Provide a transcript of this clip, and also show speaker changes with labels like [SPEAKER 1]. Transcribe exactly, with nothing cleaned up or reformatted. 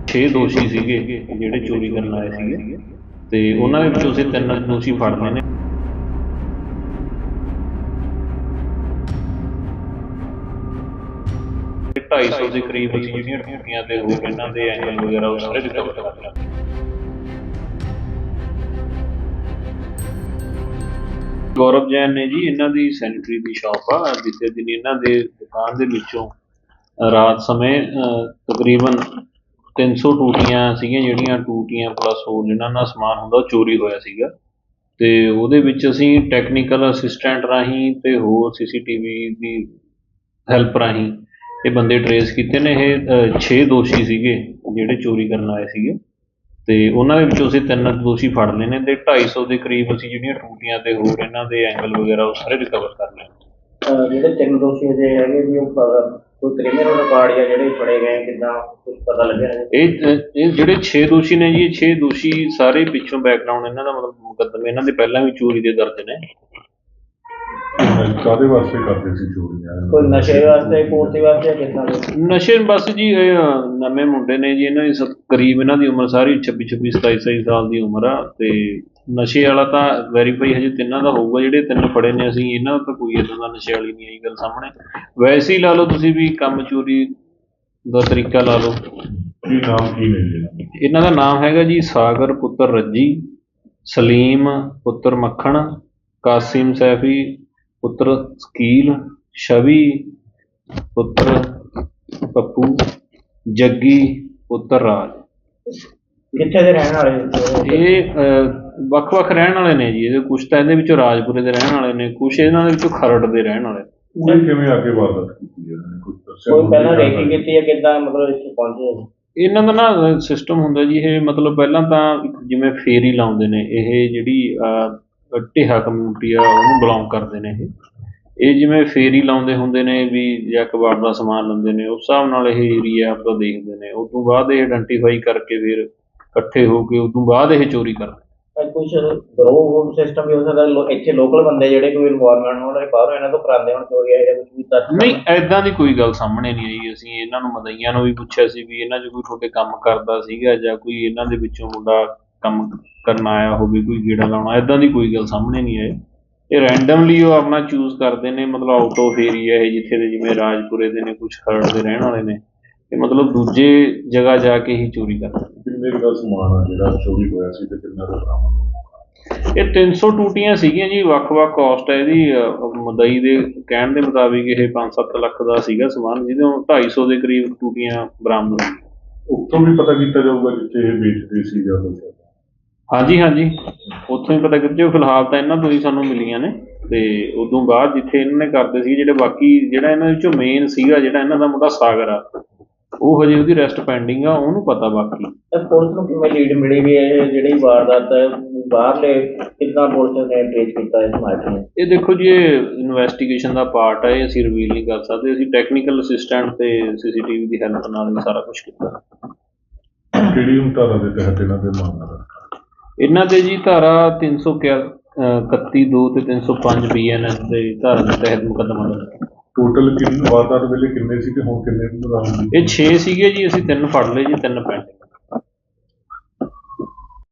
[SPEAKER 1] ਛੇ ਦੋਸ਼ੀ ਸੀਗੇ ਜਿਹੜੇ ਚੋਰੀ ਕਰਨ ਆਏ ਸੀਗੇ ਤੇ ਉਹਨਾਂ ਦੇ ਵਿੱਚੋਂ ਅਸੀਂ ਤਿੰਨ ਦੋਸ਼ੀ ਫੜ ਲਏ ਨੇ। ਢਾਈ ਸੌ ਦੇ ਕਰੀਬ ਅਸੀਂ ਜਿਹੜੀਆਂ ਟੂਟੀਆਂ ਤੇ ਹੋਰ ਇਹਨਾਂ ਦੇ ਐਂਗਲ ਵਗੈਰਾ ਉਹ ਸਾਰੇ ਰਿਕਵਰ ਕਰ ਲਿਆ। ਗੌਰਵ ਜੈਨ ਨੇ ਜੀ, ਇਹਨਾਂ ਦੀ ਸੈਨੀਟਰੀ ਦੀ ਸ਼ਾਪ ਆ। ਬੀਤੇ ਦਿਨ ਇਹਨਾਂ ਦੇ ਦੁਕਾਨ ਦੇ ਵਿੱਚੋਂ ਰਾਤ ਸਮੇਂ ਤਕਰੀਬਨ ਤਿੰਨ ਸੌ ਟੂਟੀਆਂ ਸੀਗੀਆਂ, ਜਿਹੜੀਆਂ ਟੂਟੀਆਂ ਪਲੱਸ ਹੋਰ ਜਿਹਨਾਂ ਦਾ ਸਮਾਨ ਹੁੰਦਾ ਉਹ ਚੋਰੀ ਹੋਇਆ ਸੀਗਾ। ਤੇ ਉਹਦੇ ਵਿੱਚ ਅਸੀਂ ਟੈਕਨੀਕਲ ਅਸਿਸਟੈਂਟ ਰਾਹੀਂ ਤੇ ਹੋਰ ਸੀ ਸੀ ਟੀ ਵੀ ਦੀ ਹੈਲਪ ਰਾਹੀਂ ਇਹ ਬੰਦੇ ਟਰੇਸ ਕੀਤੇ ਨੇ। ਇਹ ਛੇ ਦੋਸ਼ੀ ਸੀਗੇ ਜਿਹੜੇ ਚੋਰੀ ਕਰਨ ਆਏ ਸੀਗੇ ਤੇ ਉਹਨਾਂ ਦੇ ਵਿੱਚੋਂ ਅਸੀਂ ਤਿੰਨ ਦੋਸ਼ੀ ਫੜ ਲਏ ਨੇ ਤੇ ਢਾਈ ਸੌ ਦੇ ਕਰੀਬ ਅਸੀਂ ਜਿਹੜੀਆਂ ਟੂਟੀਆਂ ਤੇ ਹੋਰ ਇਹਨਾਂ ਦੇ ਐਂਗਲ ਵਗੈਰਾ ਉਹ ਸਾਰੇ ਰਿਕਵਰ ਕਰ ਲਏ।
[SPEAKER 2] ਜਿਹੜੇ ਤਿੰਨ ਦੋਸ਼ੀ ਜੇ ਹੈਗੇ ਵੀ ਉਹ ਕੋਈ ਕ੍ਰਿਮੀਨਲ ਰਿਕਾਰਡ ਜਾਂ ਜਿਹੜੇ ਫੜੇ ਗਏ ਕਿੱਦਾਂ ਕੁਝ ਪਤਾ ਲੱਗਿਆ?
[SPEAKER 1] ਇਹ ਇਹ ਜਿਹੜੇ ਛੇ ਦੋਸ਼ੀ ਨੇ ਜੀ, ਇਹ ਛੇ ਦੋਸ਼ੀ ਸਾਰੇ ਪਿੱਛੋਂ ਬੈਕਗਰਾਊਂਡ ਇਹਨਾਂ ਦਾ ਮਤਲਬ ਮੁਕੱਦਮੇ ਇਹਨਾਂ ਦੇ ਪਹਿਲਾਂ ਵੀ ਚੋਰੀ ਦੇ ਦਰਜ ਨੇ।
[SPEAKER 3] ਕਾਹਦੇ ਵਾਸਤੇ ਕਰਦੇ ਸੀ ਚੋਰੀਆਂ?
[SPEAKER 2] ਕੋਈ ਨਸ਼ੇ ਵਾਸਤੇ, ਪੂਰਤੀ ਵਾਸਤੇ, ਕਿੱਦਾਂ?
[SPEAKER 1] ਨਸ਼ੇ ਬਸ ਜੀ, ਇਹ ਨਵੇਂ ਮੁੰਡੇ ਨੇ ਜੀ, ਇਹਨਾਂ ਦੀ ਕਰੀਬ ਇਹਨਾਂ ਦੀ ਉਮਰ ਸਾਰੀ ਛੱਬੀ ਛੱਬੀ ਸਤਾਈ ਸਤਾਈ ਸਾਲ ਦੀ ਉਮਰ ਆ। ਤੇ ਨਸ਼ੇ ਵਾਲਾ ਤਾਂ ਵੈਰੀਫਾਈ ਹਜੇ ਤਿੰਨਾਂ ਦਾ ਹੋਊਗਾ, ਜਿਹੜੇ ਤਿੰਨ ਫੜੇ ਨੇ ਅਸੀਂ, ਇਹਨਾਂ ਦਾ ਤਾਂ ਕੋਈ ਇੱਦਾਂ ਦਾ ਨਸ਼ੇ ਵਾਲੀ ਨਹੀਂ ਆਈ ਗੱਲ ਸਾਹਮਣੇ। ਵੈਸੇ ਹੀ ਲਾ ਲਓ ਤੁਸੀਂ ਵੀ ਕੰਮ ਚੋਰੀ ਦਾ ਤਰੀਕਾ ਲਾ ਲਓ।
[SPEAKER 3] ਕੀ ਨਾਮ ਕੀ ਨੇ
[SPEAKER 1] ਇਹਨਾਂ ਦਾ? ਨਾਮ ਹੈਗਾ ਜੀ ਸਾਗਰ ਪੁੱਤਰ ਰੱਜੀ, ਸਲੀਮ ਪੁੱਤਰ ਮੱਖਣ, ਕਾਸਿਮ ਸੈਫੀ ਪੁੱਤਰ ਸਕੀਲ, ਛਵੀ ਪੁੱਤਰ ਪੱਪੂ, ਜੱਗੀ ਪੁੱਤਰ ਰਾਜ।
[SPEAKER 2] ਕਿੱਥੇ ਦੇ ਰਹਿਣ ਵਾਲੇ?
[SPEAKER 1] ਇਹ ਵੱਖ ਵੱਖ ਰਹਿਣ ਵਾਲੇ ਨੇ ਜੀ। ਇਹਦੇ ਕੁਛ ਤਾਂ ਇਹਦੇ ਵਿੱਚੋਂ ਰਾਜਪੁਰੇ ਦੇ ਰਹਿਣ ਵਾਲੇ ਨੇ, ਕੁਛ ਇਹਨਾਂ ਦੇ ਵਿੱਚੋਂ ਖਰੜ ਦੇ ਰਹਿਣ ਵਾਲੇ।
[SPEAKER 3] ਉਹ ਕਿਵੇਂ ਅੱਗੇ ਵਾਰਦਾਤ ਕੀਤੀ ਹੈ? ਕੁਝ ਦੱਸਿਆ?
[SPEAKER 2] ਕੋਈ ਪਹਿਲਾਂ ਰੇਕੀ ਕੀਤੀ ਹੈ ਕਿੱਦਾਂ, ਮਤਲਬ ਇੱਥੇ ਪਹੁੰਚੇ?
[SPEAKER 1] ਇਹਨਾਂ ਦਾ ਨਾ ਸਿਸਟਮ ਹੁੰਦਾ ਜੀ, ਇਹ ਮਤਲਬ ਪਹਿਲਾਂ ਤਾਂ ਜਿਵੇਂ ਫੇਰੀ ਲਾਉਂਦੇ ਨੇ, ਇਹ ਜਿਹੜੀ ਢੇਹਾ ਕਮਿਊਨਿਟੀ ਆ ਉਹਨੂੰ ਬਿਲੋਂਗ ਕਰਦੇ ਨੇ। ਇਹ ਇਹ ਜਿਵੇਂ ਫੇਰੀ ਲਾਉਂਦੇ ਹੁੰਦੇ ਨੇ ਵੀ ਜਾਂ ਕਬਾੜ ਦਾ ਸਮਾਨ ਲੈਂਦੇ ਨੇ, ਉਸ ਹਿਸਾਬ ਨਾਲ ਇਹ ਏਰੀਆ ਆਪਦਾ ਦੇਖਦੇ ਨੇ। ਉਸ ਤੋਂ ਬਾਅਦ ਇਹ ਆਇਡੈਂਟੀਫਾਈ ਕਰਕੇ ਫਿਰ ਇਕੱਠੇ ਹੋ ਕੇ ਉਸ ਤੋਂ ਬਾਅਦ ਇਹ ਚੋਰੀ ਕਰਦੇ।
[SPEAKER 2] ਕੁਛ ਗਰੋਹ ਸਿਸਟਮ ਵੀ ਹੋ ਸਕਦਾ ਇੱਥੇ ਲੋਕਲ ਬੰਦੇ ਜਿਹੜੇ ਕੋਈ ਇਨਵੋਲਵਮੈਂਟ ਹੋਣ, ਬਾਹਰੋਂ ਇਹਨਾਂ ਤੋਂ ਕਰਾਉਂਦੇ ਹੋਣ ਚੋਰੀ ਜਾਂ ਕੁਝ ਵੀ?
[SPEAKER 1] ਨਹੀਂ, ਐਦਾਂ ਦੀ ਕੋਈ ਗੱਲ ਸਾਹਮਣੇ ਨਹੀਂ ਆਈ। ਅਸੀਂ ਇਹਨਾਂ ਨੂੰ ਮਦਈਆਂ ਨੂੰ ਵੀ ਪੁੱਛਿਆ ਸੀ ਵੀ ਇਹਨਾਂ 'ਚ ਕੋਈ ਤੁਹਾਡੇ ਕੰਮ ਕਰਦਾ ਸੀਗਾ ਜਾਂ ਕੋਈ ਇਹਨਾਂ ਦੇ ਵਿੱਚੋਂ ਮੁੰਡਾ ਕੰਮ ਕਰਨ ਆਇਆ ਹੋਵੇ, ਕੋਈ ਗੇੜਾ ਲਾਉਣਾ, ਐਦਾਂ ਦੀ ਕੋਈ ਗੱਲ ਸਾਹਮਣੇ ਨਹੀਂ ਆਈ। ਇਹ ਰੈਂਡਮਲੀ ਉਹ ਆਪਣਾ ਚੂਜ਼ ਕਰਦੇ ਨੇ, ਮਤਲਬ ਆਊਟ ਆਫ ਏਰੀਆ ਇਹ ਜਿੱਥੇ ਦੇ, ਜਿਵੇਂ ਰਾਜਪੁਰੇ ਦੇ ਨੇ, ਕੁਛ ਖਰੜ ਦੇ ਰਹਿਣ ਵਾਲੇ ਨੇ, ਤੇ ਮਤਲਬ ਦੂਜੇ ਜਗ੍ਹਾ ਜਾ ਕੇ ਹੀ ਚੋਰੀ ਕਰਦੇ।
[SPEAKER 3] ਕਿੰਨੇ ਦਾ ਸਮਾਨ ਆ ਜਿਹੜਾ ਚੋਰੀ ਹੋਇਆ ਸੀ ਤੇ ਕਿੰਨਾ ਦਾ ਬਰਾਮਦ ਹੋਇਆ?
[SPEAKER 1] ਇਹ ਤਿੰਨ ਸੌ ਟੂਟੀਆਂ ਸੀਗੀਆਂ ਜੀ, ਵੱਖ ਵੱਖ ਕਾਸਟ ਹੈ ਇਹਦੀ। ਮਦਈ ਦੇ ਕਹਿਣ ਦੇ ਮੁਤਾਬਿਕ ਇਹ ਪੰਜ ਸੱਤ ਲੱਖ ਦਾ ਸੀਗਾ ਸਮਾਨ, ਜਿਹਦੇ ਢਾਈ ਸੌ ਦੇ ਕਰੀਬ ਟੂਟੀਆਂ ਬਰਾਮਦ ਹੋਈਆਂ।
[SPEAKER 3] ਉੱਥੋਂ ਵੀ ਪਤਾ ਕੀਤਾ ਜਾਊਗਾ ਜਿੱਥੇ ਇਹ ਵੇਚਦੇ ਸੀ ਜਾਂ ਕੁਛ?
[SPEAKER 1] ਹਾਂਜੀ ਹਾਂਜੀ, ਉੱਥੋਂ ਹੀ ਪਤਾ ਕੀਤੇ। ਫਿਲਹਾਲ ਤਾਂ ਇਹਨਾਂ ਤੋਂ ਹੀ ਸਾਨੂੰ ਮਿਲੀਆਂ ਨੇ ਤੇ ਉਦੋਂ ਬਾਅਦ ਜਿੱਥੇ ਇਹਨਾਂ ਨੇ ਕਰਦੇ ਸੀ, ਜਿਹੜੇ ਬਾਕੀ ਜਿਹੜਾ ਇਹਨਾਂ ਵਿੱਚੋਂ ਮੇਨ ਸੀਗਾ ਜਿਹੜਾ ਇਹਨਾਂ ਦਾ ਮੁੰਡਾ ਸਾਗਰ ਆ, ਉਹ ਹਜੇ ਉਹਦੀ ਰੈਸਟ ਪੈਂਡਿੰਗ ਆ, ਉਹਨੂੰ ਪਤਾ। ਬਾਕੀ
[SPEAKER 2] ਪੁਲਿਸ ਨੂੰ ਕਿਵੇਂ ਲੀਡ ਮਿਲੀ ਵੀ ਇਹ ਜਿਹੜੀ ਵਾਰਦਾਤ ਬਾਹਰਲੇ ਕਿੱਦਾਂ ਪੁਲਿਸ ਨੇ ਟ੍ਰੇਸ ਕੀਤਾ ਇਸ ਮੈਟਰ ਨੂੰ?
[SPEAKER 1] ਇਹ ਦੇਖੋ ਜੀ, ਇਹ ਇਨਵੈਸਟੀਗੇਸ਼ਨ ਦਾ ਪਾਰਟ ਹੈ, ਇਹ ਅਸੀਂ ਰਿਵੀਲ ਨਹੀਂ ਕਰ ਸਕਦੇ। ਅਸੀਂ ਟੈਕਨੀਕਲ ਅਸਿਸਟੈਂਟ ਤੇ ਸੀ ਸੀ ਟੀ ਵੀ ਦੀ ਹੈਲਪ ਨਾਲ ਹੀ ਸਾਰਾ ਕੁਛ ਕੀਤਾ।
[SPEAKER 3] ਕਿਹੜੀ ਧਾਰਾ ਦੇ ਤਹਿਤ ਇਹਨਾਂ ਦੇ ਮਾਮਲਾ?
[SPEAKER 1] ਇਹਨਾਂ ਦੇ ਜੀ ਧਾਰਾ ਤਿੰਨ ਸੌ ਇਕੱਤੀ ਦੋ ਤੇ ਤਿੰਨ ਸੌ ਪੰਜ ਬੀ ਐਨ ਐਸ ਦੇ ਧਾਰਾ ਦੇ ਤਹਿਤ ਮੁਕੱਦਮਾ ਦਰਜ।
[SPEAKER 3] ਟੋਟਲ ਕਿੰਨੇ ਵਾਰਦਾਤ ਵੇਲੇ ਕਿੰਨੇ ਸੀ ਤੇ ਹੁਣ ਕਿੰਨੇ ਬਰਾਮਦ?
[SPEAKER 1] ਇਹ ਛੇ ਸੀਗੇ ਜੀ, ਅਸੀਂ ਤਿੰਨ ਫੜ ਲਏ ਜੀ, ਤਿੰਨ ਪੈਂਡਿੰਗ।